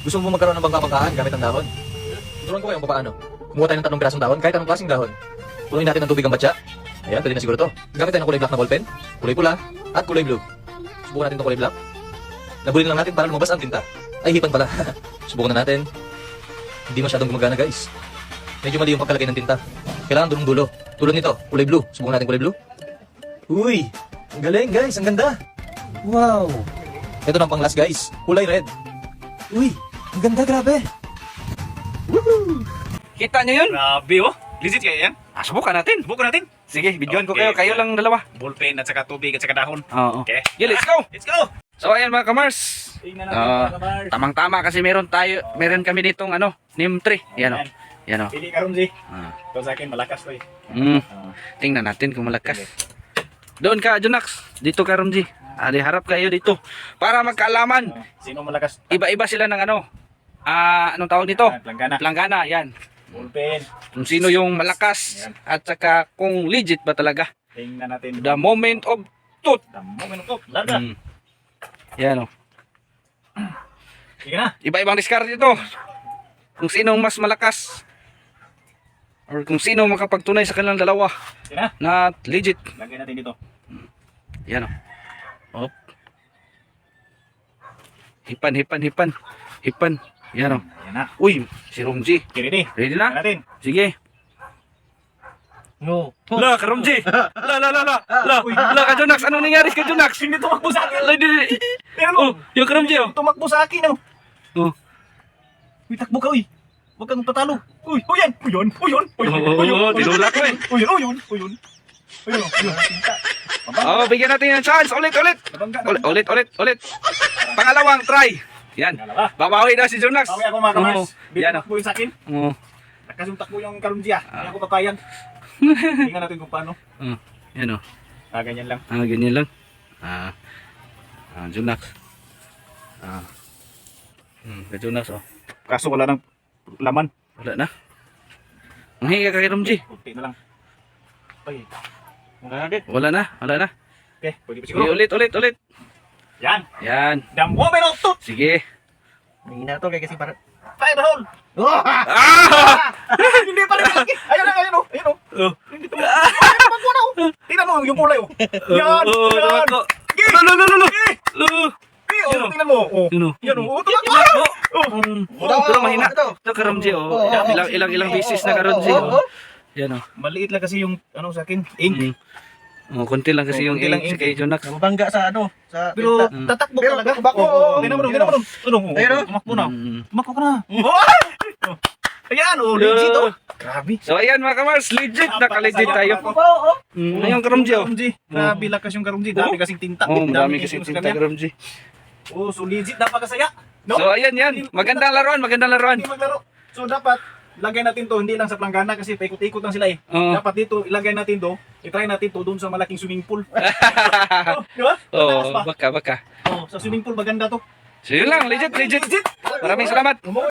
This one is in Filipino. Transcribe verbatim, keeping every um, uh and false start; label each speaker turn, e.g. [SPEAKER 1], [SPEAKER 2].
[SPEAKER 1] Gusto mo magkaroon ng bangka-bangkaan gamit ang dahon? Turuan ko kayo kung paano. Kumuha tayo ng tatlong pirasong dahon, kahit anong klaseng dahon. Punuin natin ng tubig ang batya. Ayan, pwede na siguro to. Gamit tayo ng kulay black na ballpen, kulay pula, at kulay blue. Subukan natin itong kulay black. Nabulin lang natin para lumabas ang tinta. Ay, hipan pala. Subukan na natin. Hindi masyadong gumagana, guys. Medyo mali yung pagkalagay ng tinta. Kailangan dulong-dulo. Tulad nito, kulay blue. Subukan natin kulay blue. Uy! Ang galing, guys. Ang ganda. Wow! Ito na pang last, guys. Kulay red. Uy! Ang ganda, grabe. Woohoo!
[SPEAKER 2] Kita nyo yun?
[SPEAKER 3] Grabe oh. Legit kaya yan?
[SPEAKER 2] Ah, subukan natin.
[SPEAKER 3] Subukan natin.
[SPEAKER 2] Sige, videoan ko
[SPEAKER 3] Okay.
[SPEAKER 2] kayo. Kayo lang dalawa.
[SPEAKER 3] Ballpen at saka tubig at saka dahon.
[SPEAKER 2] Oo.
[SPEAKER 3] Okay.
[SPEAKER 2] Yeah, let's go.
[SPEAKER 3] Let's go.
[SPEAKER 2] So ayan mga kamars.
[SPEAKER 3] Tingnan natin
[SPEAKER 2] Ah,
[SPEAKER 3] mga kamars.
[SPEAKER 2] Tamang-tama kasi meron tayo, meron kami ditong ano, neem tree. Yan o. Yan o.
[SPEAKER 3] Pili ka ron, G.
[SPEAKER 2] Ah.
[SPEAKER 3] Ito sa akin, malakas to eh.
[SPEAKER 2] Mm.
[SPEAKER 3] Ah.
[SPEAKER 2] Tingnan natin kung malakas. Doon ka, Junax. Dito ka, Romji. Ah, di harap kayo dito. Para magkaalaman.
[SPEAKER 3] Ah, Sino malakas?
[SPEAKER 2] Iba-iba sila ng ano. Ah, anong tawag dito?
[SPEAKER 3] Ah, Planggana.
[SPEAKER 2] Planggana, yan.
[SPEAKER 3] Ballpen.
[SPEAKER 2] Kung sino yung malakas at saka kung legit ba talaga.
[SPEAKER 3] Tingnan natin.
[SPEAKER 2] The moment of truth.
[SPEAKER 3] Damo minuto. Laga.
[SPEAKER 2] Mm. Yan o.
[SPEAKER 3] Sige na.
[SPEAKER 2] Iba-ibang discard dito. Kung sino mas malakas or kung sino makapagtunay sa kanilang dalawa
[SPEAKER 3] Sige na.
[SPEAKER 2] na legit.
[SPEAKER 3] Lagay natin dito.
[SPEAKER 2] Yan o. Op. Hipan, hipan, hipan. Hipan. Yan o.
[SPEAKER 3] Yan na.
[SPEAKER 2] Uy, si Romji.
[SPEAKER 3] Okay, ready?
[SPEAKER 2] Ready
[SPEAKER 3] Tingnan
[SPEAKER 2] na?
[SPEAKER 3] natin.
[SPEAKER 2] Sige.
[SPEAKER 1] No.
[SPEAKER 2] La, ka Romji. La, la, la, la. La, la, ka Junax. Anong nangyari ka Junax?
[SPEAKER 3] Hindi tumakbo sa akin.
[SPEAKER 2] La, di, di.
[SPEAKER 3] Tingnan
[SPEAKER 2] Oh,
[SPEAKER 3] mo.
[SPEAKER 2] yung ka Romji o.
[SPEAKER 3] Tumakbo sa akin oh.
[SPEAKER 2] Oh.
[SPEAKER 3] Uy, takbo ka uy. Huwag kang tatalo. Uy, uy yan. Uy yun. Uy yun. Uy yun.
[SPEAKER 2] Oo,
[SPEAKER 3] Uy yun.
[SPEAKER 2] oo, tinulak ko eh.
[SPEAKER 3] Uy yun. Uy yun. Uy yun. Uy yun. Uy yun. Tinta.
[SPEAKER 2] Oh, bigyan natin ng chance. Ulit, ulit.
[SPEAKER 3] Nabangga.
[SPEAKER 2] Ulit, ulit, ulit, ulit. Pangalawang try. Yan.
[SPEAKER 3] Dalawa.
[SPEAKER 2] Babawi daw si Junax.
[SPEAKER 3] Kami ako mga kamars.
[SPEAKER 2] Oo.
[SPEAKER 3] Di
[SPEAKER 2] Yan o.
[SPEAKER 3] takbo yun sa akin.
[SPEAKER 2] Oo.
[SPEAKER 3] Nakasuntak mo yung karunji ah. Hindi ako papayag. Tingnan natin kung paano.
[SPEAKER 2] Oh, yan o.
[SPEAKER 3] Ah, ganyan lang.
[SPEAKER 2] Ah, ganyan lang. Ah, ah Junax. Ah. Hmm, kay Junax oh.
[SPEAKER 3] Kaso wala nang laman.
[SPEAKER 2] Wala na. Ang higa ka kay Romji.
[SPEAKER 3] Kunti na lang. Ay. Wala na din.
[SPEAKER 2] Wala na, wala na.
[SPEAKER 3] Okay, pwede pa
[SPEAKER 2] Sige,
[SPEAKER 3] siguro.
[SPEAKER 2] ulit, ulit, ulit.
[SPEAKER 3] Yan.
[SPEAKER 2] Yan.
[SPEAKER 3] The moment of truth.
[SPEAKER 2] Sige.
[SPEAKER 1] Mahina to kaya kasi para...
[SPEAKER 3] Fire the hole.
[SPEAKER 2] Ah!
[SPEAKER 3] Hindi pa rin malaki. Ayun na, ayun o. Ayun o.
[SPEAKER 2] Oh.
[SPEAKER 3] Hindi ito. Ayun, magmuna o. Tingnan mo yung kulay o. Yan.
[SPEAKER 2] Oh,
[SPEAKER 3] Yan.
[SPEAKER 2] tumakbo. Lo, lo, lo, lo, lo. Lo.
[SPEAKER 3] Eh, oh, tingnan mo. Oh.
[SPEAKER 2] Yun o.
[SPEAKER 3] Yan o. Oh, tumakbo.
[SPEAKER 2] Oh. Oh, pero mahina. Ito ka Romji oh. Ilang, ilang, ilang bisis na ka Romji oh. Yan oh.
[SPEAKER 3] Maliit lang kasi yung ano sa akin. Ink.
[SPEAKER 2] Mm. Oh, konti lang kasi
[SPEAKER 3] Oh,
[SPEAKER 2] yung
[SPEAKER 3] konti lang
[SPEAKER 2] ink
[SPEAKER 3] ink.
[SPEAKER 2] kay Junax.
[SPEAKER 1] Mabangga sa ano? Sa
[SPEAKER 3] Pero
[SPEAKER 1] tinta.
[SPEAKER 3] tatakbo
[SPEAKER 1] Pero
[SPEAKER 3] talaga.
[SPEAKER 1] tumakbo,
[SPEAKER 3] Oo,
[SPEAKER 1] oo.
[SPEAKER 3] tingnan mo, tingnan mo. Ano? oh,
[SPEAKER 1] Ayun, oh.
[SPEAKER 3] Tumakbo na.
[SPEAKER 2] Mm.
[SPEAKER 3] Tumakbo ka na. Oh. Ayan o. Legit o. Grabe.
[SPEAKER 2] So ayan mga kamars, legit, naka-legit tayo. Mm, ayun ka Romji oh.
[SPEAKER 3] Karumji. Grabe lakas yung karumji. Dami kasing tinta.
[SPEAKER 2] Oh, marami
[SPEAKER 3] Dami
[SPEAKER 2] kasi
[SPEAKER 3] kasi
[SPEAKER 2] tinta ka Romji.
[SPEAKER 3] Oh, so legit. Napakasaya. No?
[SPEAKER 2] So ayan yan, magandang laruan, magandang laruan.
[SPEAKER 3] Hindi maglaro. So dapat ilagay natin to hindi lang sa planggana kasi paikot-ikot lang sila eh.
[SPEAKER 2] Oo.
[SPEAKER 3] Dapat dito ilagay natin to. I-try natin to doon sa malaking swimming pool. Oh, di ba? Mataas
[SPEAKER 2] Oh,
[SPEAKER 3] pa.
[SPEAKER 2] baka, baka.
[SPEAKER 3] Oh, sa swimming pool maganda to.
[SPEAKER 2] So yun lang, legit, legit.
[SPEAKER 3] Legit.
[SPEAKER 2] Maraming salamat.